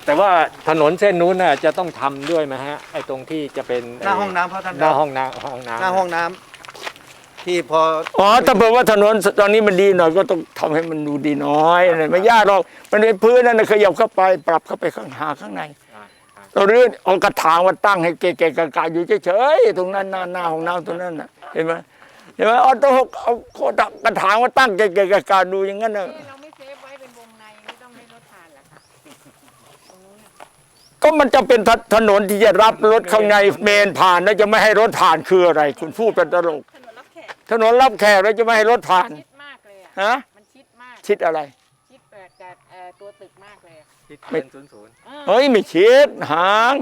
แต่ว่าถนนเส้นนู้นน่ะจะต้องทำด้วยไหมฮะไอ้ตรงที่จะเป็นหน้าห้องน้ำพระท่านหน้าห้องน้ำห้องน้ำหน้าห้องน้ำที่พอถ้าเผื่อว่าถนนตอนนี้มันดีหน่อยก็ต้องทำให้มันดูดีน้อยไม่ยากหรอกมันเป็นพื้นนั่นขยับเข้าไปปรับเข้าไปข้างในเราเรื่อเอากระถางมาตั้งให้เก๋ๆกะๆอยู่เฉยๆตรงนั้นหน้าห้องน้ำตรงนั้นน่ะเห็นไหมเอาต้องเอากระถางมาตั้งเก๋ๆกะๆดูอย่างนั้นน่ะเราไม่เซฟไว้เป็นวงในไม่ต้องให้รถผ่านเหรอคะตรงนู้นก็มันจะเป็นถนนที่จะรับรถข้างในเมนผ่านแล้วจะไม่ให้รถผ่านคืออะไรคุณพูดเป็นตลกถนนรับแขกแล้วจะไม่ให้รถผ่านชิดมากเลยอ่ะฮะมันชิดมากชิดอะไรชิดกับตัวตึกมากเลยชิดเป็น00 เฮ้ยไม่ชิดหาง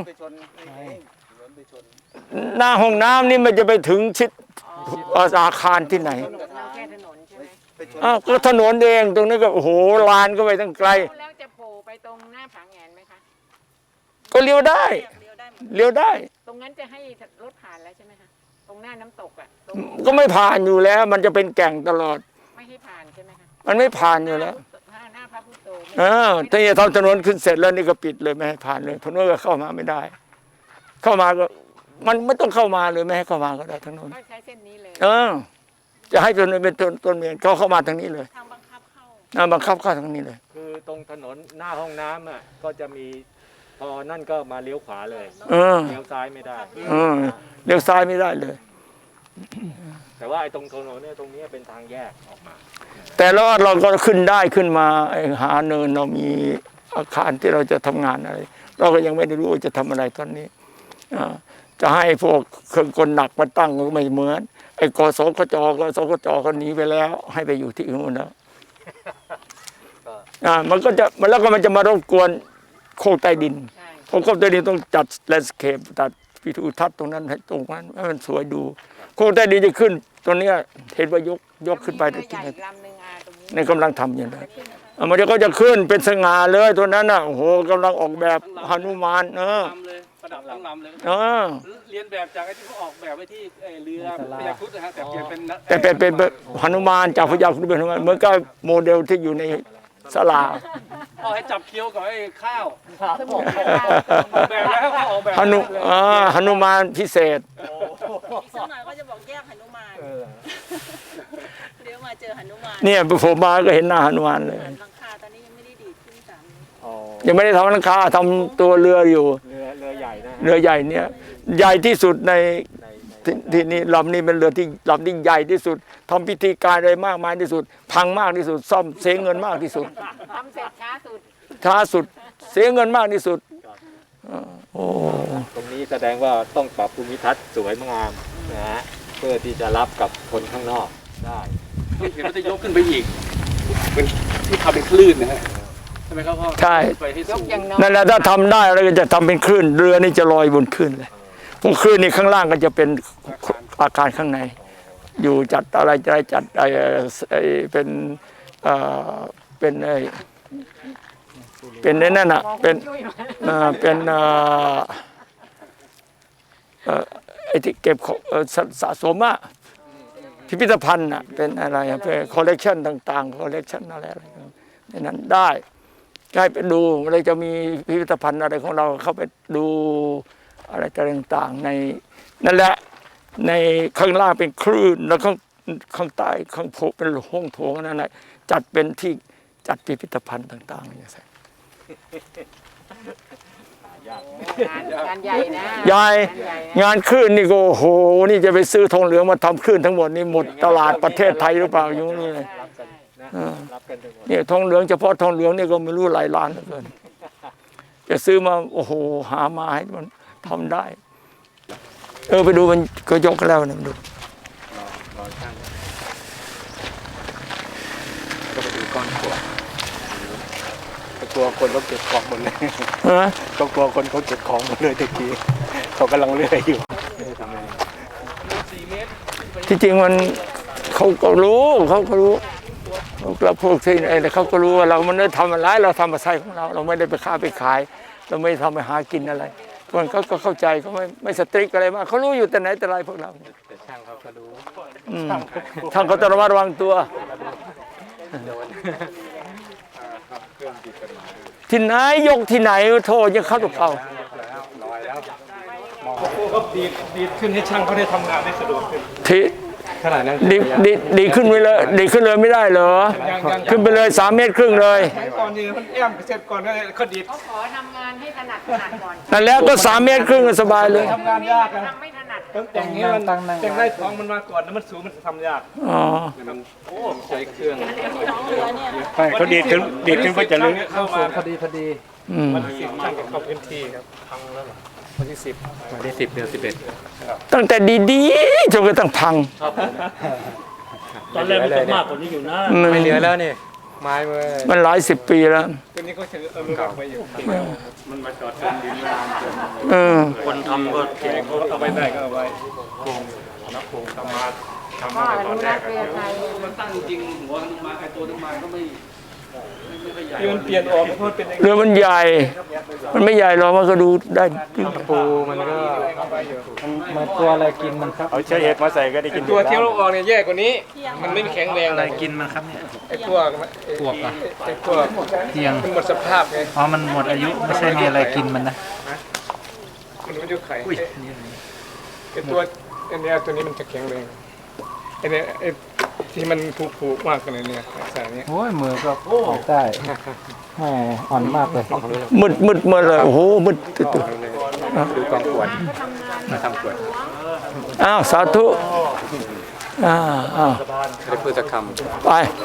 หน้าห้องน้ำนี่มันจะไปถึงชิดอาคารที่ไหนเราแค่ถนนใช่ไหมก็ถนนเองตรงนี้ก็โอ้โหลานก็ไปตั้งไกลแล้วจะโผล่ไปตรงหน้าผาแงนไหมคะก็เลี้ยวได้เลี้ยวได้ตรงนั้นจะให้รถผ่านแล้วใช่ไหมคะตรงหน้าน้ำตกอ่ะก็ไม่ผ่านอยู่แล้ว มันจะเป็นแก่งตลอดไม่ให้ผ่านใช่ไหมคะมันไม่ผ่านอยู่แล้วหน้าพระพุทธโธถ้าจะทำถนนขึ้นเสร็จแล้วนี่ก็ปิดเลยไม่ให้ผ่านเลยเพราะว่าเข้ามาไม่ได้ เข้ามาก็มันไม่ต้องเข้ามาเลยไม่ให้เข้ามาก็ได้ทั้งนั้นใช้เส้นนี้เลยจะให้ถนนเป็นต้นเมียนเขาเข้ามาทางนี้เลยทางบังคับเข้าบังคับเข้าทางนี้เลยคือตรงถนนหน้าห้องน้ำอ่ะก็จะมีพอนั่นก็มาเลี้ยวขวาเลยเลี้ยวซ้ายไม่ได้เลี้ยวซ้ายไม่ได้เลยแต่ว่าไอ้ตรงถนนเนี่ยตรงนี้เป็นทางแยกออกมาแต่แล้วเราก็ขึ้นได้ขึ้นมาหาเนินเรามีอาคารที่เราจะทำงานอะไรเราก็ยังไม่ได้รู้ว่าจะทำอะไรตอนนี้จะให้พวกเครื่องกลหนักมาตั้งก็ไม่เหมือนไอ้กสกจก็หนีไปแล้วให้ไปอยู่ที่อื่นแล้วมันก็จะแล้วก็มันจะมารบกวนโคกใต้ดินโคกใต้ดินต้องจัดแลนด์สเคปจัดวิถีทัศน์ตรงนั้นให้ตรงนั้นให้มันสวยดูโคกใต้ดินจะขึ้นตรงนี้เห็นว่ายกขึ้นไปที่ไหนในกำลังทำอยู่นะมันก็จะขึ้นเป็นสง่าเลยตัวนั้นน่ะโอ้โหกำลังออกแบบหนุมานประดับทั้งลำเลยเรียนแบบจากไอ้ที่เขาออกแบบไว้ที่เรือพญาครุฑนะฮะแต่เปลี่ยนเป็นหนุมานจากพญาครุฑเป็นหนุมานเหมือนกับโมเดลที่อยู่ในศาลาให้จับเคี้ยวกับไอ้ข้าวแบบแล้วเขาออกแบบหนุมานพิเศษอีกสักหน่อยก็จะบอกแยกหนุมานเดี๋ยวมาเจอหนุมานเนี่ยผมมาก็เห็นหน้าหนุมานเลยหลังคาตอนนี้ยังไม่ได้ดีดขึ้น3 ยังไม่ได้ทำหลังคาทำตัวเรืออยู่เรือใหญ่นะเรือใหญ่เนี่ยใหญ่ที่สุดในที่นี่ลำนี้เป็นเรือที่ลำที่ใหญ่ที่สุดทำพิธีการอะไรมากมายที่สุดพังมากที่สุดซ่อมเสียเงินมากที่สุดทำเสร็จช้าสุดเสียเงินมากที่สุดโอ้ตรงนี้แสดงว่าต้องปรับภูมิทัศน์สวยงามนะฮะเพื่อที่จะรับกับคนข้างนอกได้เห็นว่าจะยกขึ้นไปอีกเป็นที่ทำเป็นคลื่นนะฮะใช่ไหมครับพ่อใช่นั่นแหละถ้าทำได้เราก็จะทำเป็นคลื่นเรือนี่จะลอยบนคลื่นเลยพวกคลื่นนี่ข้างล่างก็จะเป็นอาคารข้างในอยู่จัดอะไรจัดเป็นเป็นนั่นน่ะเป็นไอ้ที่เก็บสะสมอะพิพิธภัณฑ์อะเป็นอะไรเป็นคอลเลกชันต่างๆคอลเลกชันอะไรในนั้นได้ให้ไปดูเราจะมีพิพิธภัณฑ์อะไรของเราเข้าไปดูอะไรต่างๆในนั่นแหละในข้างล่างเป็นคลื่นแล้วข้างใต้ข้างโถเป็นห้องโถงนั่นแหละจัดเป็นที่จัดพิพิธภัณฑ์ต่างๆอย่างนี้งานใหญ่นะใหญ่งานคลื่นนี่ก็โอ้โหนี่จะไปซื้อทองเหลืองมาทำคลื่นทั้งหมดนี่หมดตลาดประเทศไทยหรือเปล่าอยู่นี่เลยเนี่ยทองเหลืองเฉพาะทองเหลืองนี่ก็ไม่รู้หลายล้านเหลือเกินจะซื้อมาโอ้โหหามาให้มันทำได้ไปดูมันก็ยกแล้วนะดูก็ไปดูก้อนขวดกลัวคนเขาเก็บของหมดเลยก็กลัวคนเขาเก็บของหมดเลยตะกี้เขากำลังเลื่อยอยู่ที่จริงมันเขาก็รู้เราพวกที่ไอ้เขาก็รู้ว่าเรามันได้ทำอะไรเราทำมาใส่ของเราไม่ได้ไปค้าไปขายเราไม่ทำไปหากินอะไรคนเขาก็เข้าใจเขาไม่สตริกอะไรมากเขารู้อยู่แต่ไหนแต่ไรพวกเราแต่ช่างเขาก็รู้ช่างเขาต้องระมัดระวังตัวโดนเครื่องผิดกฎหมายที่ไหนยกที่ไหนโทษยังเข้าตัวเก่าก็ดีขึ้นให้ช่างเขาได้ทำงานได้สะดวกขึ้นที่ขนาดนั้นดีขึ้นไปเลยดีขึ้นเลยไม่ได้เหรอขึ้นไปเลย3 เมตรครึ่งเลยก่อนนี่มันแอมเสร็จก่อนก็เขาดีดเขาขอทำงานให้ถนัดก่อนนั่นแล้วก็3 เมตรครึ่งก็สบายเลยทำงานยากนะทำไม่ถนัดต้องแต่งให้มันแต่งได้ท้องมันมาก่อนแล้วมันสูงมันทำยากอ๋อโอ้ใช้เครื่องน้องเรือเนี่ยเขาดีดขึ้นก็จะลึกเข้ามาอืมวันที่10ช่างจะเข้าพื้นที่ครับพังแล้วเหรอวันที่10วันที่10เดือน11 ตั้งแต่ดีๆจนกระทั่งพังตอนแรกมันจะมากกว่านี้อยู่นะไม่เหลือแล้วนี่ไม้มือมันหลายสิบปีแล้วตัวนี้เขาจะอนุรักษ์ไว้อยู่มันมาจอดจมดินนานจนเออคนทำก็แกเขาเอาไว้ได้ก็เอาไว้โครงนักโครงทำมาพ่อแต่อตอนนุแรรักกษ์เรือไทยที่มันเปลี่ยนออกเพราะมันเป็นอย่างเรือมันใหญ่ มันไม่ใหญ่หรอกมันก็ดูได้ปูมันก็มันตัวอะไรกินมันครับเอาใช้เห็ดมาใส่ก็ได้กินตัวที่เราออกเนี่ยแย่กว่านี้ มันไม่แข็งแรงอะไรกินมันครับเนี่ยไอ้พวกไอ้พวกเทียงมันหมดสภาพไงอ๋อ มันหมดอายุไม่ใช่มีอะไรกินมันนะมันไม่ยุไข่ไอ้ตัวอันเนี้ยตัวนี้มันจะแข็งแรงไอ้เนี่ยไอ้ที่มันผูกมากขนาดเนี้ยสายนี้โอ้ย มือก็ออกได้แหมอ่อนมากเลยมืดเลยโอ้โหมืดดูกองขวดมาทำขวดอ้าวสาธุอ้าวได้พืชคไป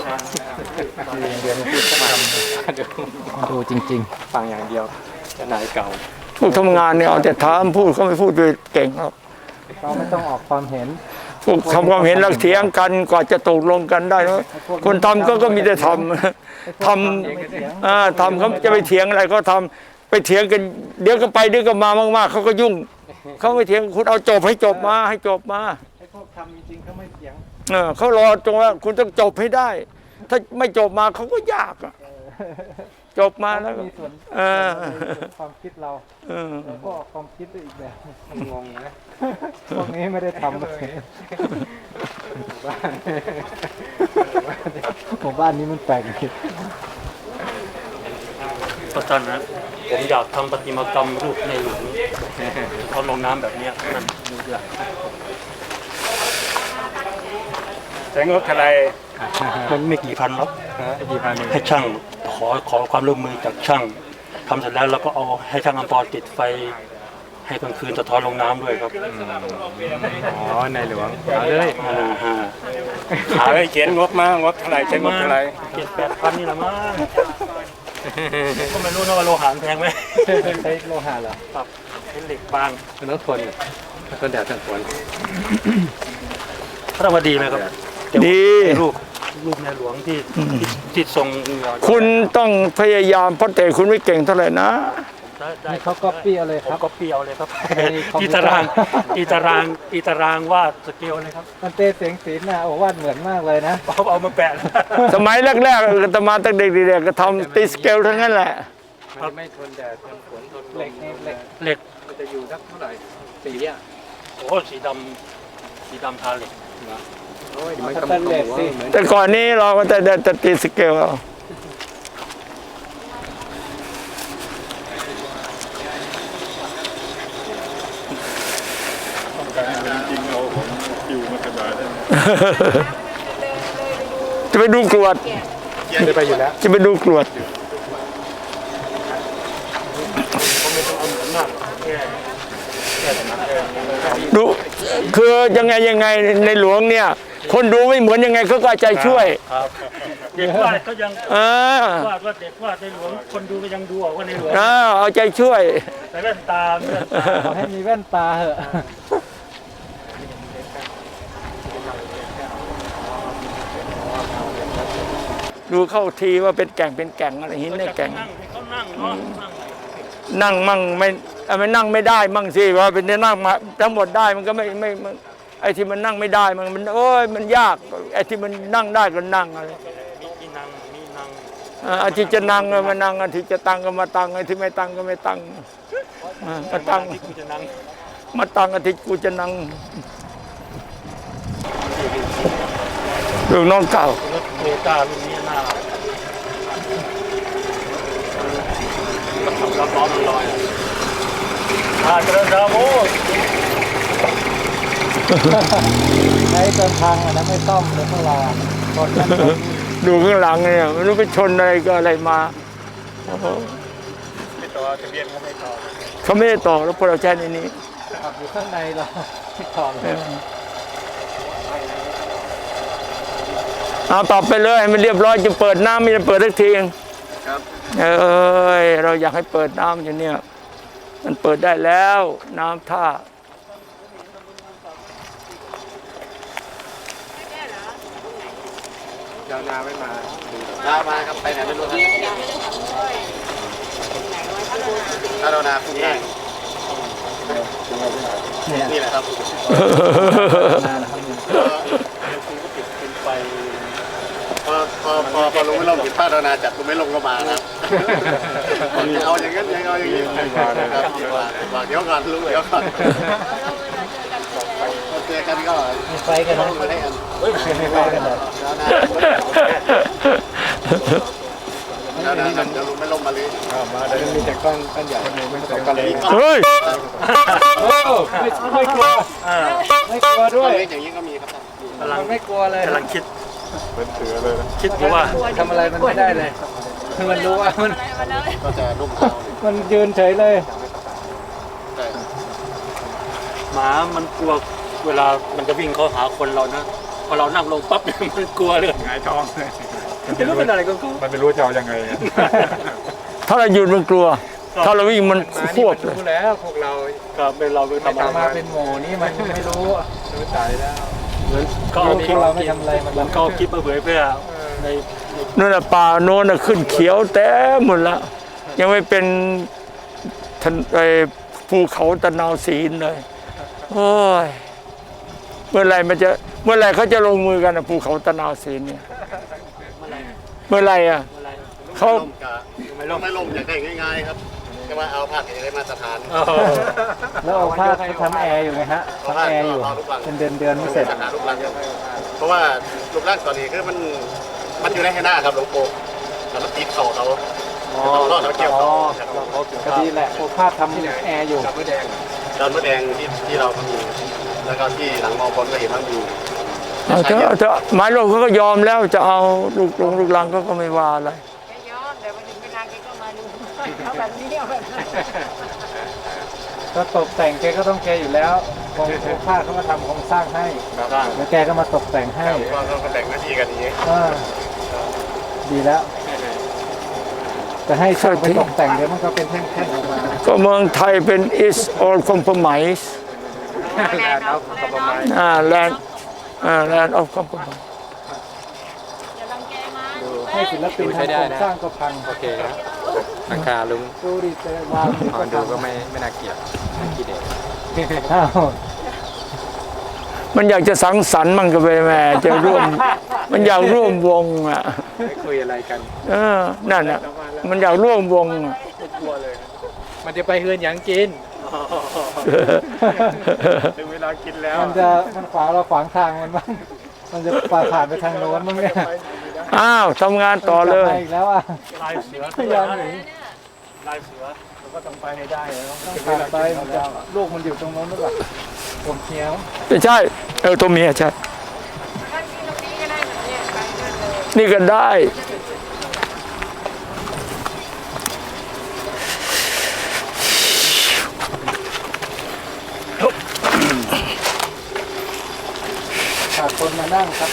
ดูจริงำฟังอย่างเดียวจะนายเก่าพวกทำงานเนี่ยเอาแต่ถามพูดเขาไม่พูดด้วยเก่งหรอกๆ เราไม่ต้องออกความเห็นพวกทำความเห็นแล้วเถียงกันกว่าจะตกลงกันได้นะคนทำก็มีแต่ทำทำเขาจะไปเถียงอะไรก็ทำไปเถียงกันเดี๋ยวก็ไปเดี๋ยวก็มามากๆเขาก็ยุ่งเขาไม่เถียงคุณเอาจบให้จบมาให้จบมาไอ้พวกทำจริงๆเขาไม่เถียงเขารอตรงว่าคุณต้องจบให้ได้ ถ้าไม่จบมาเขาก็ยากอะจบมาแล้วก็มีส่วนเออความคิดเราเออแล้วก็ออกความคิดด้วยอีกแบบงงนะพวกนี้ไม่ได้ทำเลยหมู่บ้านนี้มันแปลกจริงประจันนะผมอยากทำประติมากรรมรูปในหลวงเขาลงน้ำแบบเนี้ยนั่นดูอยากใช้งบเท่าไรมันไม่กี่พันหรอกกี่พันให้ช่างขอความร่วมมือจากช่างทำเสร็จแล้วเราก็เอาให้ช่างอัมพรติดไฟให้กลางคืนสะท้อนลงน้ำด้วยครับอ๋อในหลวงเอาเลยฮะหาเลยเขียนงบมางบเท่าไรใช้งบเท่าไร 7-8 พันนี่แหละมั้งก็ไม่รู้นะว่าโลหะแพงไหมใช้โลหะเหรอครับเป็นเหล็กบางมันต้องทนต้นแดดต้นฝนพระวดีไหมครับดีรูปในหลวงที่ทรงคุณต้องพยายามเพราะแต่คุณไม่เก่งเท่าไหร่นะได้นี่เขาก็ปี้เอาเลยผคมรับก็เปียวเลยครับในคอมพิอีวเตอร์ตารางวาดสเกลเลยครับมันเต้เสียงศิลป์นะโอ้วาดเหมือนมากเลยนะเอามาแปะสมัยแรกๆอาตมาตั้งเด็กๆก็ทำตีสเกลทั้งนั้นแหละมันไม่ทนแดดทนฝนทนลเหล็กมนี่เหล็กเหล็กมันจะอยู่สักเท่าไหร่สีอ่ะโอ้สีดำทาเหล็กโอ้ยมันสก็แตนเลสสิเหมือนแต่ก่อนนี้เราก็จะตีสเกลเอา จะไปดูกรวดได้ไปอยู่แล้วจะไปดูกรวดดูคือยังไงในหลวงเนี่ย คนดูไม่เหมือนยังไงเขาก็เอาใจช่วยครับเด็กวาดก็ยังเออวาดว่าเด็กวาดในหลวงคนดูก็ยังดูออกว่าในหลวงเอาใจช่วยแต่แว่นตาขอให้มีแว่นตาเหอะดูเข้าทีว่าเป็นแก่งอะไรหินในแก่งเขานั่งเนาะนั่งมั่งไม่นั่งไม่ได้มั่งสิว่าเป็นนั่งมาทั้งหมดได้มันก็ไม่ไอ้ที่มันนั่งไม่ได้มันโอ้ยมันยากไอ้ที่มันนั่งได้ก็นั่งอะไรมีนั่งอาทิตย์จะนั่งก็มานั่งอาทิตย์จะตั้งก็มาตั้งไอ้ที่ไม่ตั้งก็ไม่ตั้งมาตั้งที่กูจะนั่งมาตั้งอาทิตย์กูจะนั่งลูกน้องเก่ารถโตต้ารุ่นนี้น่ากระดาโมใช้จนพังนะไม่ซ่อมเลยพวกเราชนนั่นชนนี่ดูข้างหลังเนี่ยไม่รู้ไปชนอะไรก็อะไรมาโอ้โหไม่ต่อทะเบียนเขาไม่ต่อเขาไม่ได้ต่อแล้วพวกเราใช้ในนี้ขับอยู่ข้างในเราที่ถอดเลยเอาต่อไปเลยให้มันเรียบร้อยจะเปิดน้ำไม่จะเปิดสักทีเองเอ้ยเราอยากให้เปิดน้ำอยู่เนี่ยมันเปิดได้แล้วน้ำท่ายาวนาไม่มามาครับไปไหนไม่รู้ครับถ้าเรานาคุมได้นี่แหละครับเป็นไฟพอลงไม่ลงผิดพลาดเรานาจัดลงไม่ลงก็มาครับเอาอย่างนั้นยังเอาอย่างนี้ครับเดี๋ยวก่อนลุงเดี๋ยวก่อนเจอกันก็มีไฟกันนะมาได้กันมีไฟกันเลยแล้วนะเดี๋ยวลุงไม่ลงมาเลยมาเดี๋ยวมีแต่ก้อนใหญ่ไม่แต่ก้อนเล็กเฮ้ยไม่กลัวไม่กลัวด้วยเล็กอย่างนี้ก็มีครับมันไม่กลัวเลยกำลังคิดเป็นเสือเลยนะคิดอยู่ว่าทำอะไรมันไม่ได้เลยมันรู้ว่ามันก็จะนุ่มเท้ามันยืนเฉยเลยหมามันกลัวเวลามันจะวิ่งเข้าหาคนเรานะพอเรานั่งลงปั๊บเนี่ยมันกลัวเลยหงายท้องเลยไม่รู้เป็นอะไรก็กลัวมันไม่รู้จะเอายังไงถ้าเราหยุดมันกลัว ถ้าเราวิ่งมันควบเลยรู้แล้วพวกเราก็เป็นเราเป็นไม่ทำทำอะไรมาเป็นหมูนี่มันไม่รู้รู้ใจแล้วเหมือนก็เอาคลิปเราไม่ทำอะไรมันก็เอาคลิปมาเผยแพร่ในนั่นน่ะป่าโน้นน่ะขึ้นเขียวเต็มหมดละยังไม่เป็นทันไอ้ภูเขาตะนาวศีลเลยโอ้ยเมื่อไหรเขาจะลงมือกันนะภูเขาตะนาวศีลเนี่ยเมื่อไหรอ่ะเขาไม่ลงอยากได้ง่ายๆครับก็ว่าเอาผ้าอย่างไรมาตรฐานแล้วเอาผ้าไปทำแอร์อยู่ไงฮะทำแอร์อยู่เป็นเดือนไม่เสร็จหารูปร่างเพราะว่ารูปร่างตอนนี้คือมันอยู่ในให้หน้าครับหลวงปู่แล้วมันติดเข่าเขาเราเกี่ยวเขาก็ดีแหละโอภาสทำแอร์อยู่ดอนมะแดงที่เราก็มีแล้วก็ที่หลังมอบนก็เห็นว่ามีเอาเถอะหมายรวมเขาก็ยอมแล้วจะเอาลูกลังก็ไม่ว่าอะไรแกยอมแต่วันถึงเวลาแกก็มาดูเอาแบบนี้เอาแบบนั้นก็ตกแต่งแกก็ต้องแกอยู่แล้วโอภาสเขามาทำโครงสร้างให้แล้วแกก็มาตกแต่งให้ก็แบ่งหน้าที่กันอย่างนี้ดีแล้วจะให้ช่างไปตกแต่งเดี๋ยวมันก็เป็นแท่งๆออกมาก็เมืองไทยเป็น is all compromise land of compromise อย่ารังแกมันให้ศิลปินทำโครงสร้างก็พังโอเคครับราคาลุงดูดิเจอวางพอดูก็ไม่น่าเกลียดน่าขี้เด็กอ้าวมันอยากจะสังสรรค์มันก็ไปแม่จะร่วม มันอยากร่วมวงอ่ะไม่คุยอะไรกันนั่นอ่ะมันอยากร่วมวงอ่ะมันจะไปเฮือนยังกินถึงเวลากินแล้วมันขวางเราขวางทางมันบ้างมันจะผ่านไปทางโน้นมั้งเนี่ยอ้าวทำงานต่อเลยอีกแล้วอ่ะลายเสือพยายามหนีลายเสือก็ต้องไปให้ได้ต้องผ่านไปมันจะลูกมันอยู่ตรงโน้นหรือเปล่าผมเขียวไม่ใช่ตัวเมียใช่ท่านที่ตรงนี้ก็ได้แบบเนี้ยไปด้วยเลยนี่ก็ได้ขาดคนมานั่งครับ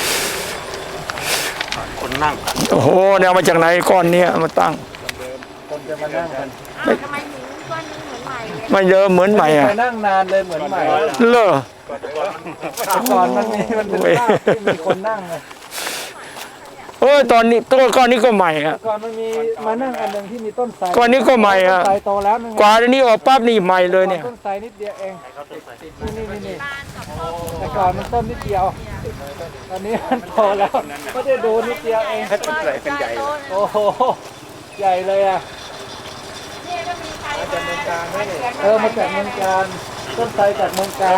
คนนั่งโอ้โหเนี่ยเอามาจากไหนก้อนเนี้ยเอามาตั้งคนจะมานั่งกันทำไมถึงก้อนนี้เหมือนใหม่เลยไม่เยอะเหมือนใหม่อ่ะไปนั่งนานเลยเหมือนใหม่เลอก่อนมันเป็นภาพที่มีคนนั่งเลยโอ้ยตอนนี้ตัวก้อนนี้ก็ใหม่อ่ะก่อนมันมีมานั่งอันหนึ่งที่มีต้นไทรก้อนนี้ก็ใหม่อ่ะต้นไทรโตแล้วนึงกว่าอันนี้ออกปั๊บนี่ใหม่เลยเนี่ยต้นไทรนิดเดียวเองนี่แต่ก่อนมันต้นนิดเดียวตอนนี้มันโตแล้วไม่ได้ดูนิดเดียวเองต้นใหญ่เป็นใหญ่เลยโอ้โหใหญ่เลยอ่ะนี่ก็มีใครมาจากเมืองการมาจากเมืองการต้นไทรจากเมืองการ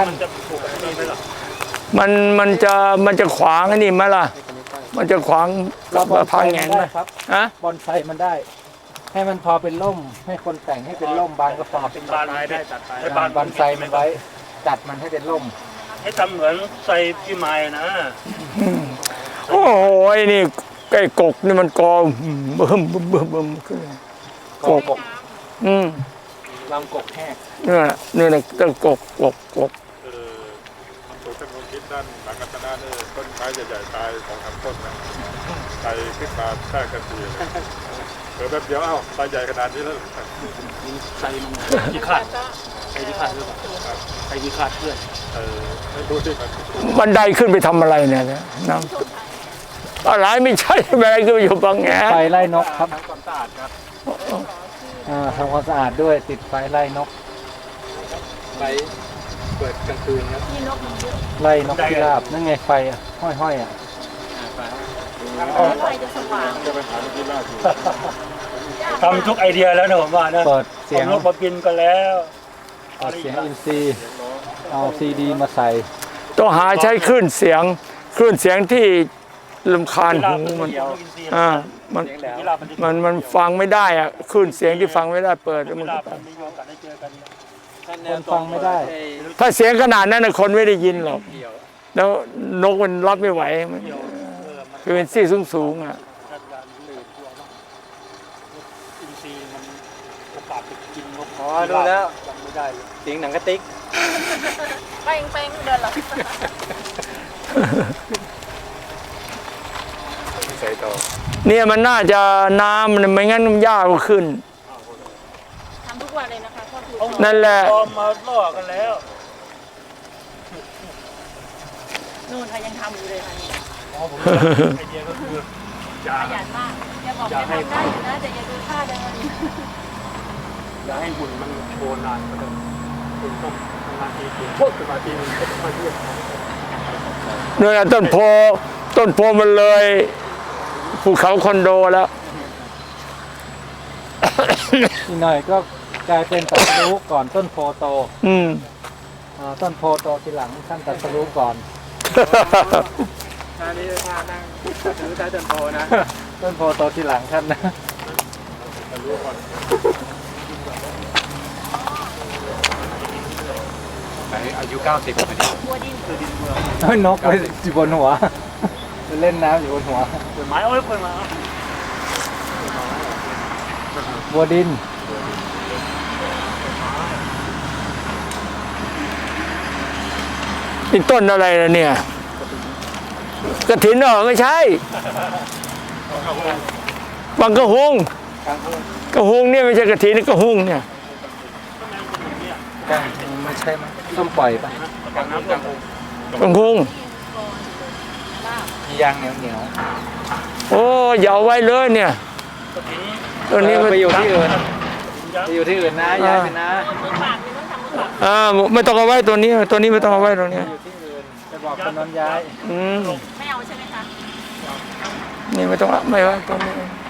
มันจะขวางไอ้นี่ไหมล่ะ มันจะขวางเราบอนไซพังมัแงนนได้ไหมครับฮะบอนไซมันได้ให้มันพอเป็นร่ม ให้คนแต่งให้เป็นร่มบานก็พอเป็นบานไม้ได้ตัดไปให้บานไทรมันไว้จัดมันให้เป็นร่มให้ทำเหมือนไทรพี่ไม้นะโอ้โหไอ้นี่ไอ้กกนี่มันกอเบิ่มขึ้นกกลำกกแห้งเนี่ยต้นกกปลูกต้นมะคิดด้านหลังกัตนาเนี่ยต้นไม้ใหญ่ๆตายของทำต้นนะตายขึ้นมาแทรกกันทีแป๊บเดียวตายใหญ่ขนาดนี้แล้วไทรมันที่คาดไทรที่คาดหรือเปล่าไทรที่คาดเพื่อนไม่รู้ที่มันบันไดขึ้นไปทำอะไรเนี่ยน้ำอะไรไม่ใช่บันไดขึ้นไปอยู่บางแงไฟไล่นกครับทำความสะอาดครับทำความสะอาดด้วยติดไฟไล่นกไปเปิดกลางคืนครับที่นกมันเยอะไล่นกพิราบนั่นไงไฟอ่ะห้อยๆอ่ะไฟจะสว่างจะไปหาที่ล่าสุดทำทุกไอเดียแล้วนะผมว่านะเปิดเสียงนกมาบินก็แล้วเปิดเสียงอินซีย์เอาซีดีมาใส่ต้องหาใช้คลื่นเสียงที่รำคาญหูมันมันฟังไม่ได้อะคลื่นเสียงที่ฟังไม่ได้เปิดแล้วมันก็มีโอกาสได้เจอกันคนฟังไม่ได้ถ้าเสียงขนาดนั้นคนไม่ได้ยินหรอกแล้วนกมันรับไม่ไหวมันคือเป็นซี่สูงๆอ่ะอินทรีย์มันโอกาสไปกินนกอ๋อดูแล้วยังไม่ได้เลยเสียงหนังกระติกแป้งเดินหรอใส่ต่อเนี่ยมันน่าจะน้ำมันไม่งั้นมันยากกว่าขึ้นทำทุกวันเลยนะคะพ่อครูนั่นแหละพอมาล่อกันแล้วนู่นค่ะยังทำอยู่เลยค่ะนี่ไอเดียก็คือขยันมากอย่าบอกจะทำได้อยู่นะแต่อย่าดูท่าเดินอย่าให้หุ่นมันโชว์นานก็ได้คุณต้องทำงานทีโคตรสมาธิมันก็ไม่เยอะเนี่ยต้นโพมันเลยภูเขาคอนโดแล้วอีกหน่อยก็กลายเป็นตัดสรู้ก่อนต้นโพโต ต้นโพโตทีหลังท่านตัดสรู้ก่อนท่านี้ท่านั่งถือใต้ต้นโพนะต้นโพโตทีหลังท่านนะอายุ90พอดีบัวดินเฮ้ยนกไปอยู่บนหัวไปเล่นน้ำอยู่บนหัวเปิดไม้เอาไว้เปิดมาบัวดินนี่ต้นอะไรนะเนี่ยกระถินเหรอไม่ใช่บางกระหงเนี่ยไม่ใช่กระถินนี่กระหงเนี่ยไม่ใช่ไหมต้มปล่อยปะกระหงมียางเหนียวโอ้อย่าเอาไว้เลยเนี่ยตัวนี้ไปอยู่ที่อื่นยัไปอยู่ที่อื่นนะย้ายไปนะมือปากนี่ต้องทำมือปากไม่ต้องเอาไว้ตัวนี้ไม่ต้องเอาไว้ตัวนี้อยู่ที่อื่นจะบอกคนนั้นย้ายไม่เอาใช่ไหมคะนี่ไม่ต้องเอาไม่ไว้ตัวนี้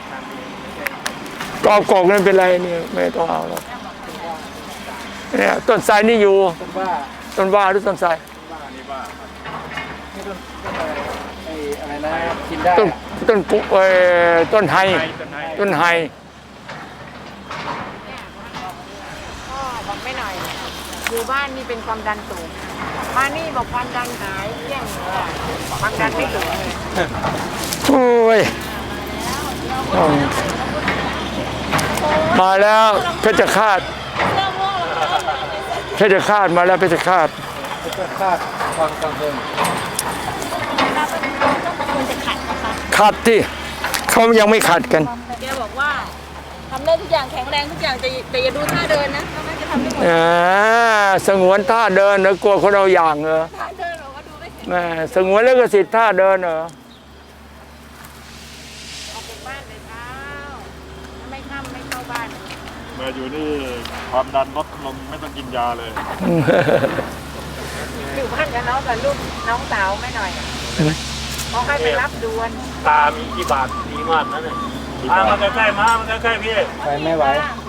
ก็เอากอกนั่นเป็นไรนี่ไม่ต้องเอาหรอกเนี่ยต้นไทรนี่อยู่ต้นว่าต้นว่าหรือต้นไทรนี่ไอ้อะไรนะกินได้ต้นปุ๊ต้นไฮต้นไม้พ่อบอกไม่หน่อย อยู่บ้านนี่เป็นความดันสูง มานี่บอกความดันหายเยี่ยงเลยความดันไม่เหลือเลยโอ้ยมาแล้วเพชรฆาตมาแล้วเพชรฆาตจะคาดความกังวลควรจะขัดนะคะขัดที่เขายังไม่ขัดกันแต่แกบอกว่าทำได้ทุกอย่างแข็งแรงทุกอย่างแต่อย่าดูท่าเดินนะน่าจะทำได้หมดสงวนท่าเดินเหรอกลัวคนเอาอย่างเหรอท่าเดินเราก็ดูไม่แข็งแม่สงวนแล้วก็สิทธิ์ท่าเดินเหรอออกจากบ้านแต่เช้าถ้าไม่ค่ำไม่เข้าบ้านมาอยู่นี่ความดันลดลงไม่ต้องกินยาเลยอยู่บ้านกับน้องกับลูกน้องสาวไม่หน่อยเขาให้ไปรับด่วนตามีกี่บาทดีมากนะเนี่ยมาใกล้ๆมาใกล้ๆพี่ไปไม่ไหว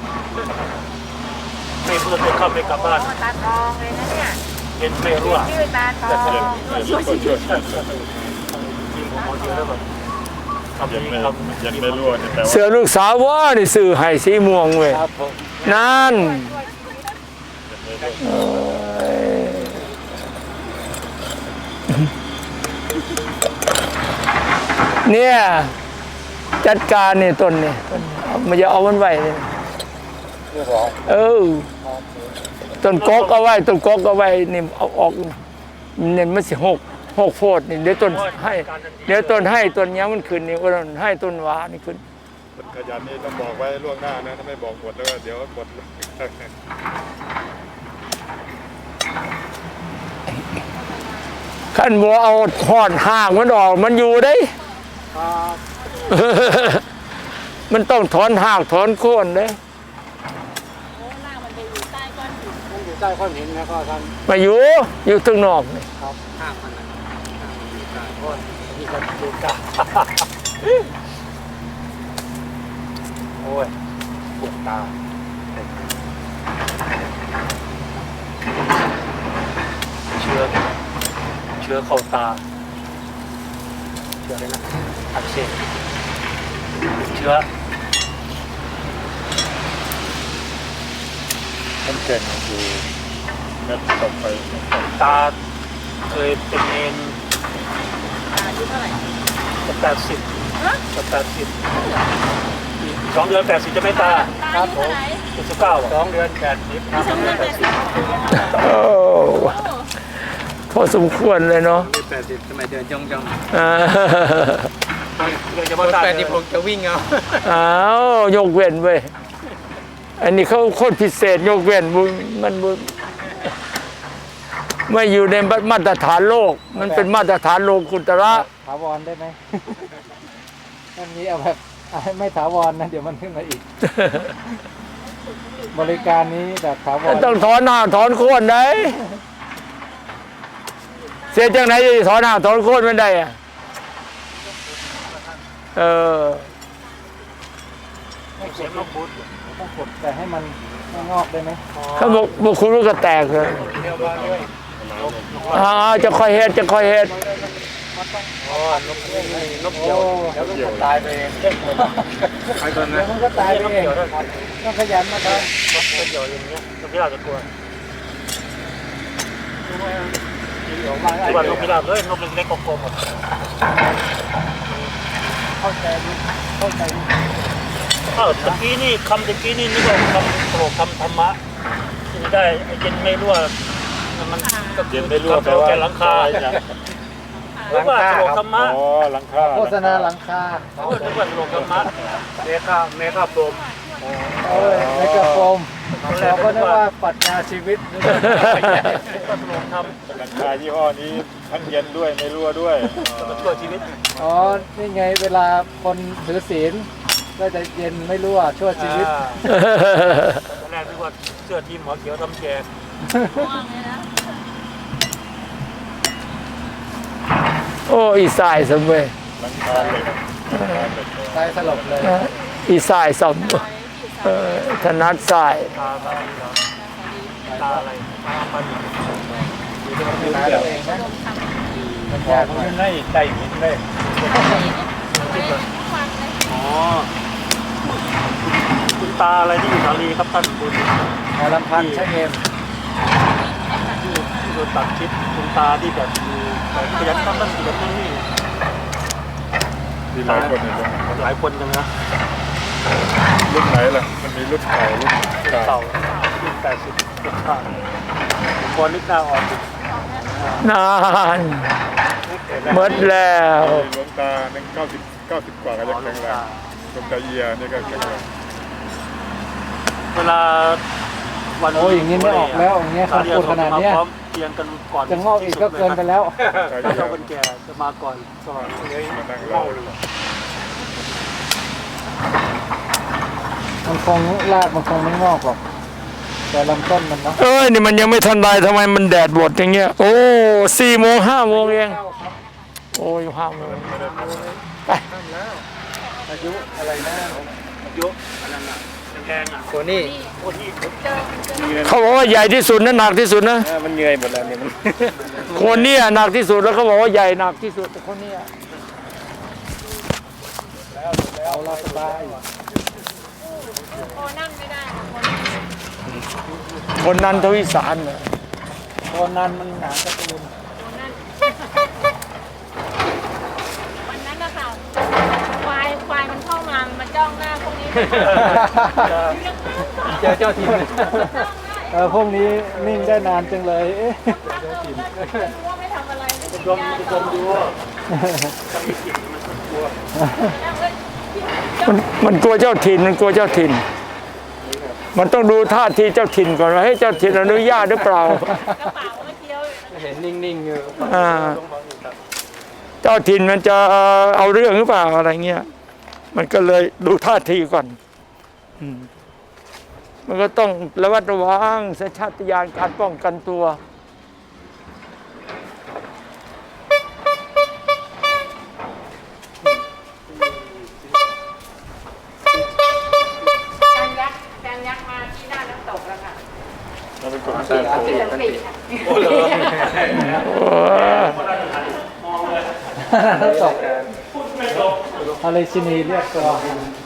ไม่เพื่อนไม่เข้าไม่กลับบ้านตาทองเลยนะเนี่ยเห็นไม่รู้อ่ะชื่อตาทองช่วยจริงผมเอาเยอะแล้วแบบำเย็นนี้ไม่คำเย็นไม่รั่วนี่แปลว่าเสือลูกสาวว่านี่ซื้อให้สีม่วงเว้ยครับผมนั่นเนี่ยจัดการนี่ต้นนี่มันจะเอามันไว้เลยเออต้นกกเอาไว้ต้นกกเอาไว้นี่เอาออกเนี่ยมันสิหกโพดนี่เดี๋ยวต้นให้เดี๋ยวต้นให้ต้นเนี้ยมันขึ้นนี่ก็ให้ต้นหวานี่ขึ้นคนขยันนี่ต้องบอกไว้ล่วงหน้านะถ้าไม่บอกหมดแล้วก็เดี๋ยวหมดขั้นบัวเอาหอดห่างมันออกมันอยู่ได้ มันต้องถอนหากถอนโค่นเด้โอ้ล่างมันไปอยู่ใต้ก้อนหินมันอยู่ใต้ก้อนหินนะก็ท่านมาอยู่ตึงนอกนี่ครับห้ามมันนะห้ามมันอยู่ใต้ก้อนนี่ก็ดูกาโอ้ยปวดตาเชื้อเข้าตาเชื้ออะไรนะอักเสบเชื้อมันเก่งอยู่เม็ดต่อไปตาเคยเป็นเองอายุเท่าไหร่จะ80จะ80อีก2 เดือน80จะไม่ตาตาอายุเท่าไหร่ 79 2 เดือน80ครับสองเดือน80 โอ้พอสมควรเลยเนาะ 80ทำไมเดินจ้องอ่าจะมาตา 80ผมจะวิ่งเอาอ้าวยกเว้นเว้ยอันนี้เขาโคตรพิเศษยกเว้นมันไม่อยู่ในมาตรฐานโลก มันเป็นมาตรฐานโลกุตระถาวรได้ไหมอันนี้เอาแบบไม่ถาวรนะเดี๋ยวมันขึ้นมาอีก บริการนี้แบบถาวรต้องถอนหน้าถอนโค่นได้เสียจังไหนจะถอนหน้าถอนโค่นไม่ได้อะเออไม่เสียงลบบุญต้องกดแต่ให้มันไม่งอกได้ไหมเขาบอกคุณลูกก็แตกเลยเดียวมาด้วยจะคอยเฮ็ดจะคอยเฮ็ดอ๋อนกเดียวแล้วมันก็ตายไปเองใครคนนะมันก็ตายไปเองต้องขยันมาทำเป็นเดี๋ยวอย่างเงี้ยนกพิราบจะกลัวที่ว่านกพิราบเลยนกเล็กๆกลมๆหมดเข้าใจเข้าใจตะกี้นี่คำตะกี้นี่นึกว่าคำโปรคำธรรมะที่ได้เย็นไม่รั่วมันก็เย็นไม่รั่วแปลว่าแกหลังคาหรือว่าโปรธรรมะอ๋อหลังคาโฆษณาหลังคาหรือว่าโปรธรรมะเมฆาโปรมเมฆาโปรมเราก็นึกว่าปรัชญาชีวิตก็โปรธรรมหลังคายี่ห้อนี้ทั้งเย็นด้วยไม่รั่วด้วยก็ช่วยชีวิตอ๋อ นี่ไงเวลาคนถือศีลก็จะเย็นไม่รั่วช่วยชีวิตตอนแรกนึกว่าเสื้อทีมหัวเขียวทำแจกม่วงเลยนะโอ้อีสายสมเวยหลังคาเหล็กตายสลบเลยอีสายสมถนัดสายตาอะไรตาปันดูแลตัวเองนะมันยากมากไม่ใจหินเลยอ๋อคุณตาอะไรที่อยู่สาลีครับท่านคุณหมอลำพันธ์ใช่เงมที่โดนตัดชิดคุณตาที่แบบขยันทำนั่นขยันทำนี่มีหลายคนเลยหลายคนจังนะรุ่นไหนล่ะมันมีรุ่นเก่ารุ่นเก่าเก่ารุ่น80รุ่นผ่านผมพอนึกหน้าออกนานหมดแล้วหลวงตาหนึ่ง90กว่าก็ยังแข็งแรงหลวงตาเอียนี่ก็แข็งแรงเวลาวันโอ้ยอย่างนี้ไม่ออกแล้วอย่างเงี้ยเขาพูดขนาดเนี้ยพร้อมเตียงกันก่อนจะงอกอีกก็เกินไปแล้วถ้าเราเป็นแก่จะมาก่อนก่อนเลยมานั่งเล่ามันคงรากมันคงไม่งอกหรอกแต่ลำต้นมันเนาะเอ้ยนี่มันยังไม่ทันไรทำไมมันแดดบดอย่างเงี้ยโอ้4 โมง 5 โมงเองโอ้ย5 โมงไปอายุอะไรนะเยอะอันนั้นอ่ะแพงอ่ะโคนี่โอ้ที่เขาบอกว่าใหญ่ที่สุดนะหนักที่สุดนะมันเงยหมดแล้วเนี่ยมันคนเนี้หนักที่สุดแล้วเขาบอกว่าใหญ่หนักที่สุดแต่คนเนี้ยเอาเราสบายโอ้นั่นไม่ได้ค่ะคนนันทวิสารเนี่ยโคนนั้นมันหนาการ์ตูนวันนั้นนะคะควายมันเข้ามามันมาจ้องหน้าพวกนี้เจอเจ้าถิ่นพวกนี้นิ่งได้นานจังเลยเอ๊ะว่าไม่ทำอะไรไม่รวมรวมดูมันกลัวเจ้าถิ่นมันกลัวเจ้าถิ่น มันต้องดูท่าทีเจ้าถิ่นก่อนว่าให้เจ้าถิ่นอนุญาตหรือเปล่ากระเป๋าเมื่อกี้เห็นนิ่งๆอยู่เจ้าถิ่นมันจะเอาเรื่องหรือเปล่าอะไรเงี้ยมันก็เลยดูท่าทีก่อนมันก็ต้องระมัดระวังสัญชาตญาณการป้องกันตัวจางยักษ์มาที่หน้าน้ำตกแล้วค่ะเราเป็นคนตาโขสันติค่ะตกอะไรชินีเรียกตัว